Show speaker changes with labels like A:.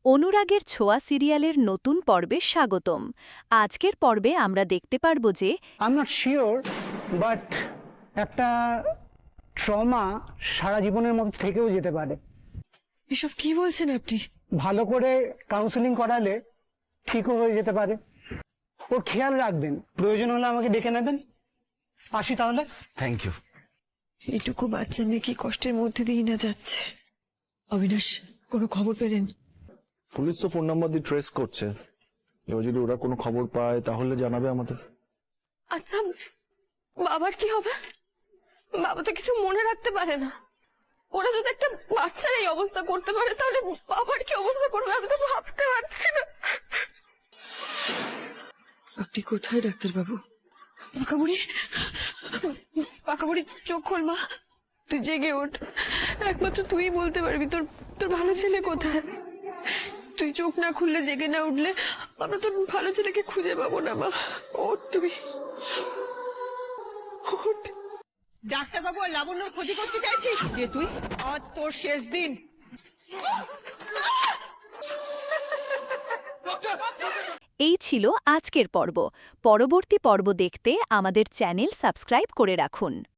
A: অনুরাগের ছোঁয়া সিরিয়ালের নতুন পর্বে স্বাগতম। আজকের পর্বে আমরা দেখতে পারব যে
B: I am not sure but একটা ট্রমা সারা জীবনের মতো থেকেও যেতে পারে।
C: এসব কি বলছেন আপনি?
B: ভালো করে কাউন্সেলিং করালে ঠিকও হয়ে যেতে পারে। ওর খেয়াল রাখবেন, প্রয়োজন হলে আমাকে ডেকে নেবেন। আসি তাহলে।
D: Thank you.
C: এইটুকু বাচ্চা মেয়ে কি কষ্টের মধ্যে দিয়ে না যাচ্ছে। অবিনাশ, কোনো খবর পেলেন?
D: পুলিশ তো ফোন নাম্বার দিয়ে ট্রেস করছে, এবার যদি ওরা কোনো খবর পায় তাহলে জানাবে আমাদের।
E: আচ্ছা, বাবার কি হবে? বাবা তো কিছু মনে রাখতে পারে না। ওরা যদি একটা বাচ্চার এই অবস্থা করতে পারে তাহলে বাবার কি অবস্থা করবে আমি তো ভাবতে পারছি না।
C: আপনি কোথায় ডাক্তারবাবু? পাকাবুড়ি, পাকাবুড়ি চোখ খোল মা, তুই জেগে ওঠ। একমাত্র তুই বলতে পারবি তোর তোর ভালো ছেলে কোথায়। তুই চোখ না খুললে, জেগে না উঠলে আমরা তোর ভালো ছেলেকে খুঁজে পাবো না মা। ওঠ তুমি, ওঠ।
F: ডাক্তারবাবু আর লাবণ্যর ক্ষতি করতে চাইছিস যে তুই? আজ তোর শেষ দিন।
A: এই ছিল আজকের পর্ব। পরবর্তী পর্ব দেখতে আমাদের চ্যানেল সাবস্ক্রাইব করে রাখুন।